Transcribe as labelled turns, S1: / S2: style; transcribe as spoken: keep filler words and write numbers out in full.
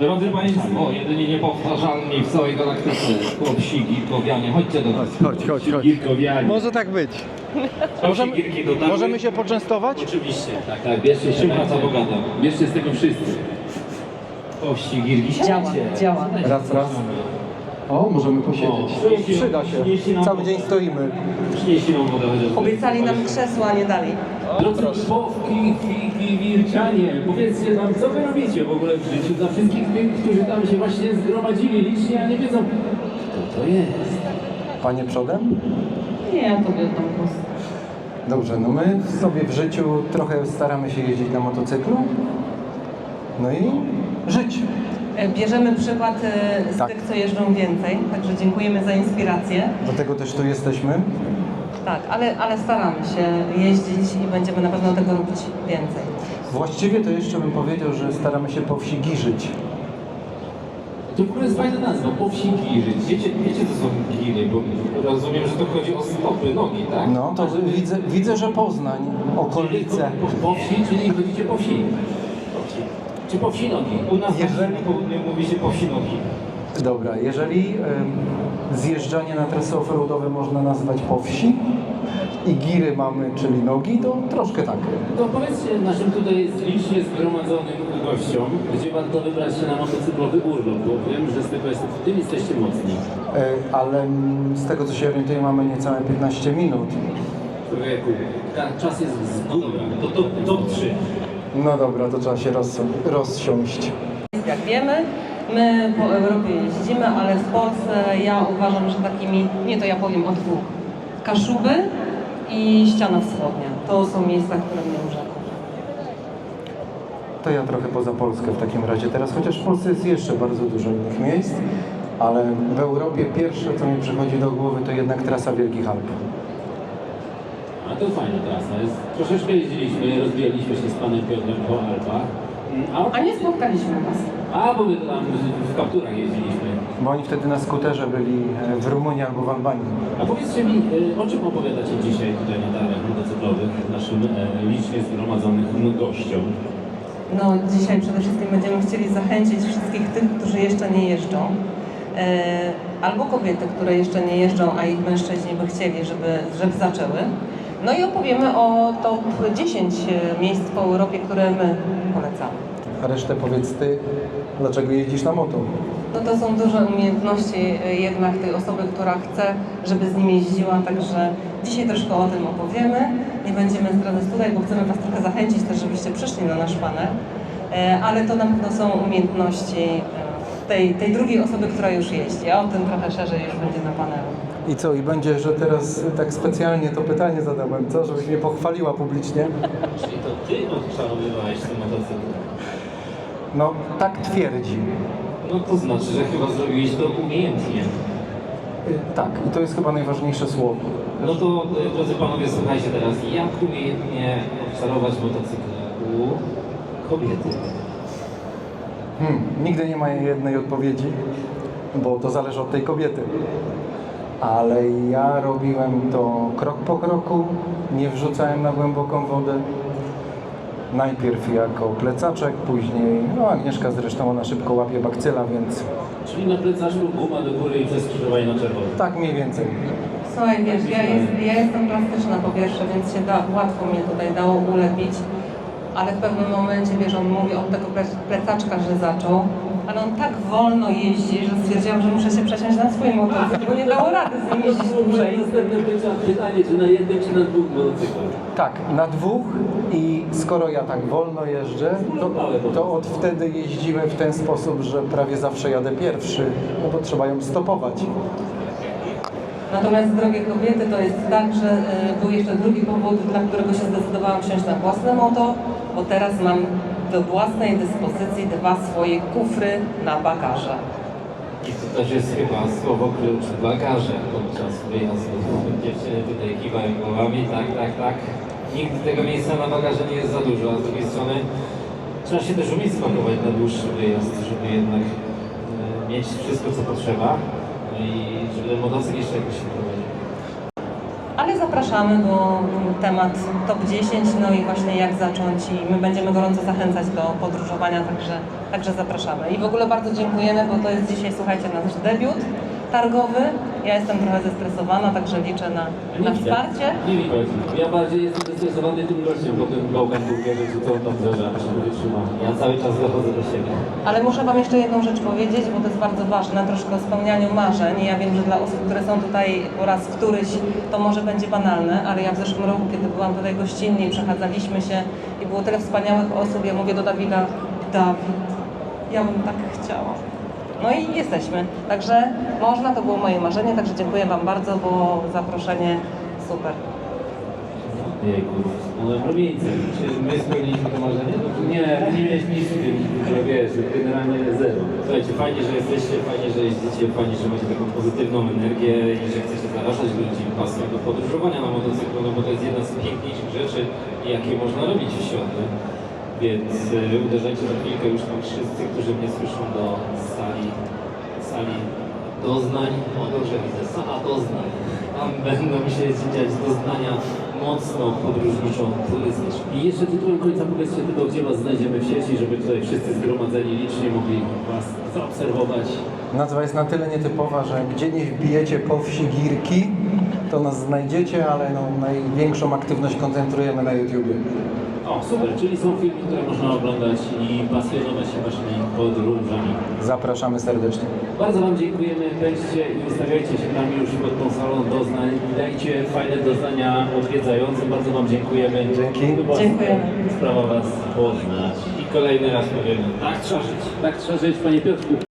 S1: Drodzy Państwo, jedynie niepowtarzalni w całej galaktyce chłopsi Girkowianie. Chodźcie do nas.
S2: Chodź, chodź, chodź.
S1: Girkowianie.
S2: Może tak być.
S1: Możemy,
S2: Możemy, możemy się poczęstować?
S1: Oczywiście, tak, tak. Bierzcie się, praca bogata. Bierzcie z tego wszyscy. Chłopsi Girki.
S3: Działa, działa.
S2: Raz, raz. O, możemy posiedzieć. Przyda się. Cały dzień stoimy.
S1: Przynieśli nam wodę chociaż.
S3: Obiecali nam krzesła, a nie dali.
S1: Drodzy Bobki, Figi, Wirczanie, powiedzcie nam, co wy robicie w ogóle w życiu dla wszystkich tych, którzy tam się właśnie zgromadzili licznie, a nie wiedzą, kto to jest.
S2: Panie przodem?
S3: Nie, ja tobie oddam głos.
S2: Dobrze, no my sobie w życiu trochę staramy się jeździć na motocyklu. No i żyć.
S3: E, Bierzemy przykład e, z
S2: Tak.
S3: tych, co jeżdżą więcej, także dziękujemy za inspirację.
S2: Dlatego też tu jesteśmy.
S3: Tak, ale, ale staramy się jeździć i będziemy na pewno tego robić więcej.
S2: Właściwie to jeszcze bym powiedział, że staramy się po wsi girzyć.
S1: To w ogóle jest fajna nazwa, po wsi giry. Wiecie, wiecie co są giry, bo rozumiem, że to chodzi o stopy, nogi, tak?
S2: No to widzę, widzę, że Poznań, okolice.
S1: Po, po wsi, czyli chodzicie po wsi. Po wsi. Czy po wsi nogi? U nas
S2: Jeżeli-
S1: na południu mówi się po wsi nogi.
S2: Dobra, jeżeli y, zjeżdżanie na trasy offroadowe można nazwać po wsi i giry mamy, czyli nogi, to troszkę tak.
S1: To powiedzcie naszym tutaj licznie zgromadzonym gościom, gdzie warto wybrać się na motocyklowy urlop, bo wiem, że z tego jest, w tym jesteście mocni.
S2: Y, ale mm, z tego co się orientuję mamy niecałe piętnaście minut.
S1: Człowieku, ta- czas jest z góry, to top, top trzy.
S2: No dobra, to trzeba się roz, rozsiąść.
S3: Jak wiemy, my po Europie jeździmy, ale w Polsce ja uważam, że takimi, nie to ja powiem o dwóch, Kaszuby i Ściana Wschodnia. To są miejsca, które mnie urzekły.
S2: To ja trochę poza Polskę w takim razie teraz, chociaż w Polsce jest jeszcze bardzo dużo innych miejsc, ale w Europie pierwsze co mi przychodzi do głowy to jednak trasa Wielkich Alp.
S1: A to fajna trasa jest. Troszeczkę jeździliśmy, rozbijaliśmy się z panem Piotrem po Alpach. A,
S3: A nie spotkaliśmy was.
S1: a bo my tam w kapturach jeździliśmy.
S2: Bo oni wtedy na skuterze byli e, w Rumunii albo w Albanii.
S1: A powiedzcie mi, y, o czym opowiadacie dzisiaj tutaj na targach motocyklowych naszym e, licznie zgromadzonym gościom?
S3: No, dzisiaj przede wszystkim będziemy chcieli zachęcić wszystkich tych, którzy jeszcze nie jeżdżą, e, albo kobiety, które jeszcze nie jeżdżą, a ich mężczyźni by chcieli, żeby, żeby zaczęły. No i opowiemy o top dziesięć miejsc po Europie, które my polecamy.
S2: A resztę powiedz ty, dlaczego jeździsz na moto?
S3: No to są duże umiejętności e, jednak tej osoby, która chce, żeby z nim jeździła, także dzisiaj troszkę o tym opowiemy. Nie będziemy zdradzać tutaj, bo chcemy was trochę zachęcić też, żebyście przyszli na nasz panel. E, Ale to na pewno są umiejętności e, tej, tej drugiej osoby, która już jeździ, a o tym trochę szerzej już będzie na panelu.
S2: I co, i będzie, że teraz tak specjalnie to pytanie zadałem, co? Żebyś mnie pochwaliła publicznie?
S1: Czyli to ty odczarowywałeś ten motocykl?
S2: No, tak twierdzi.
S1: No to znaczy, że chyba zrobiłeś to umiejętnie.
S2: Y, Tak, i to jest chyba najważniejsze słowo.
S1: No to, y, drodzy panowie, słuchajcie teraz, jak umiejętnie obszarować motocykl u kobiety?
S2: Hmm, nigdy nie ma jednej odpowiedzi, bo to zależy od tej kobiety. Ale ja robiłem to krok po kroku, nie wrzucałem na głęboką wodę. Najpierw jako plecaczek, później, no Agnieszka zresztą ona szybko łapie bakcyla, więc
S1: Czyli na plecaszku guma do góry i przez skrzyżowanie na czerwono.
S2: tak mniej więcej.
S3: Słuchaj, wiesz, ja, jest, ja jestem plastyczna po pierwsze, więc się da, łatwo mnie tutaj dało ulepić, ale w pewnym momencie, wiesz, on mówi od tego ple- plecaczka, że zaczął, ale on tak wolno jeździ, że stwierdziłam, że muszę się przesiąść na swój motocykl, bo nie dało rady z nim jeździć dłużej.
S1: Następne pytanie, czy na jednym, czy na dwóch motocyklach?
S2: Tak, na dwóch i skoro ja tak wolno jeżdżę, to, to od wtedy jeździmy w ten sposób, że prawie zawsze jadę pierwszy, no bo trzeba ją stopować.
S3: Natomiast, drogie kobiety, to jest tak, że y, był jeszcze drugi powód, dla którego się zdecydowałam wsiąść na własne moto, bo teraz mam do własnej dyspozycji dwa swoje kufry na bagaże.
S1: I to też jest chyba słowo klucz, bagaże podczas wyjazdu. Dziewczyny tutaj kiwają głowami, tak, tak, tak. Nigdy tego miejsca na bagaże nie jest za dużo, a z drugiej strony trzeba się też umieć spakować na dłuższy wyjazd, żeby jednak e, mieć wszystko, co potrzeba. No i żeby ten motocykl jeszcze jakoś się prowadził.
S3: Ale zapraszamy, bo temat top dziesięć, no i właśnie jak zacząć i my będziemy gorąco zachęcać do podróżowania, także, także zapraszamy. I w ogóle bardzo dziękujemy, bo to jest dzisiaj, słuchajcie, nasz debiut targowy. Ja jestem trochę zestresowana, także liczę na, na wsparcie.
S1: Nie widać. Ja bardziej jestem zestresowany tym gościem po tym Broken Burgerze, czy co on tam zdarza, aż się wytrzymał. Ja cały czas dochodzę do siebie.
S3: Ale muszę Wam jeszcze jedną rzecz powiedzieć, bo to jest bardzo ważne, troszkę o spełnianiu marzeń. I ja wiem, że dla osób, które są tutaj po raz któryś, to może będzie banalne, ale ja w zeszłym roku, kiedy byłam tutaj gościnnie i przechadzaliśmy się i było tyle wspaniałych osób, ja mówię do Dawida, Dawid, ja bym tak chciała. No i jesteśmy. Także można, to było moje marzenie, także dziękuję Wam bardzo, bo zaproszenie super.
S1: Jejku, no rumieńce. Czy my spełniliśmy to marzenie? No, nie, nie mieliśmy nic w tym, że wiesz, generalnie zero. Słuchajcie, fajnie, że jesteście, fajnie, że jeździcie, fajnie, że macie taką pozytywną energię i że chcecie zarażać ludzi pasją do podróżowania na motocyklu, no bo to jest jedna z piękniejszych rzeczy, jakie można robić w środę. Więc y, uderzajcie za chwilkę już tam wszyscy, którzy mnie słyszą do sali, sali doznań. O, dobrze widzę, sala doznań. Tam będą się dziać doznania mocno podróżniczą, turystyczną.
S4: I jeszcze tytułem końca powiedzcie tylko, gdzie Was znajdziemy w sieci, żeby tutaj wszyscy zgromadzeni licznie mogli Was zaobserwować.
S2: Nazwa jest na tyle nietypowa, że gdzie nie wbijecie po wsi Girki, to nas znajdziecie, ale no, największą aktywność koncentrujemy na YouTubie.
S4: O, super, czyli są filmy, które można oglądać i pasjonować się Waszymi podróżami.
S2: Zapraszamy serdecznie.
S4: Bardzo Wam dziękujemy, weźcie i ustawiajcie się tam już pod tą salą doznań i dajcie fajne doznania odwiedzającym. Bardzo Wam dziękujemy.
S2: Dzięki.
S4: To była
S3: Dziękujemy.
S4: Sprawa Was poznać.
S1: I kolejny raz powiemy, tak trzeba żyć.
S4: Tak trzeba żyć, Panie Piotrku.